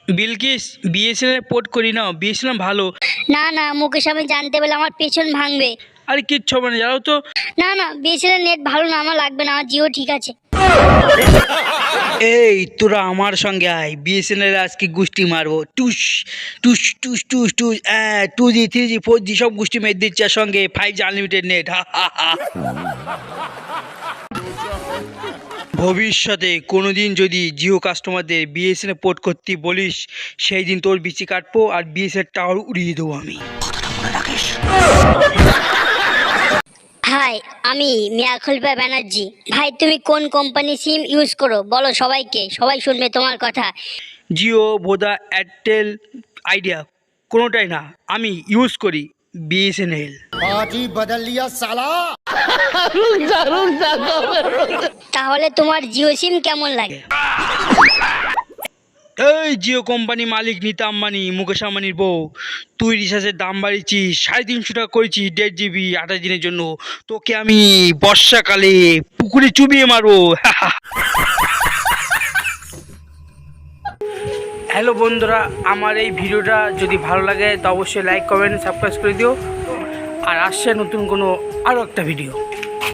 Bilkis, BSNL port করি না, BSNL ভালো। না না মুকেশ, আমি জানতে পারলে আমার পেছন ভাঙবে। আরে কিচ্ছু হবে না, জানো তো। না না বিএসএনএল নেট ভালো না, আমার লাগবে না, আমার জিও ঠিক আছে। এই তোরা আমার সঙ্গে আয়, বিএসএনএল আজকে গুষ্টি মারবো। টুস টুস টুস টুস টুস, 2G 3G 4G সব গুষ্টি মেরে দিচ্ছে, আর সঙ্গে 5G আনলিমিটেড নেট। ভবিষ্যতে কোনোদিন যদি জিও কাস্টমারদের বিএসএনএল পোর্ট করতে বলিস, সেই দিন তোর বিচি কাটবো আর বিএসএনএল টাওয়ার উড়িয়ে দেবো আমি। হাই, আমি মিয়া খলিফা ব্যানার্জি। ভাই তুমি কোন কোম্পানি সিম ইউজ করো বলো সবাইকে, সবাই শুনবে তোমার কথা। জিও, ভোদা, এয়ারটেল, আইডিয়া কোনোটাই না, আমি ইউজ করি বিএসএনএল। आज ही बदल लिया साला। তাহলে তোমার জিও সিম কেমন লাগে? এই জিও কোম্পানি মালিক নীতা আম্বানি, মুকেশ আম্বানির বউ, তুই রিচার্জের দাম বাড়িয়েছিস, 350 টাকা করেছিস 1.5 GB 28 দিনের জন্য। তোকে আমি বর্ষাকালে পুকুরে চুবিয়ে মারবো। হ্যালো বন্ধুরা, আমার এই ভিডিওটা যদি ভালো লাগে তো অবশ্যই লাইক কমেন্ট সাবস্ক্রাইব করে দিও। আর আসছে নতুন কোনো আরও একটা ভিডিও।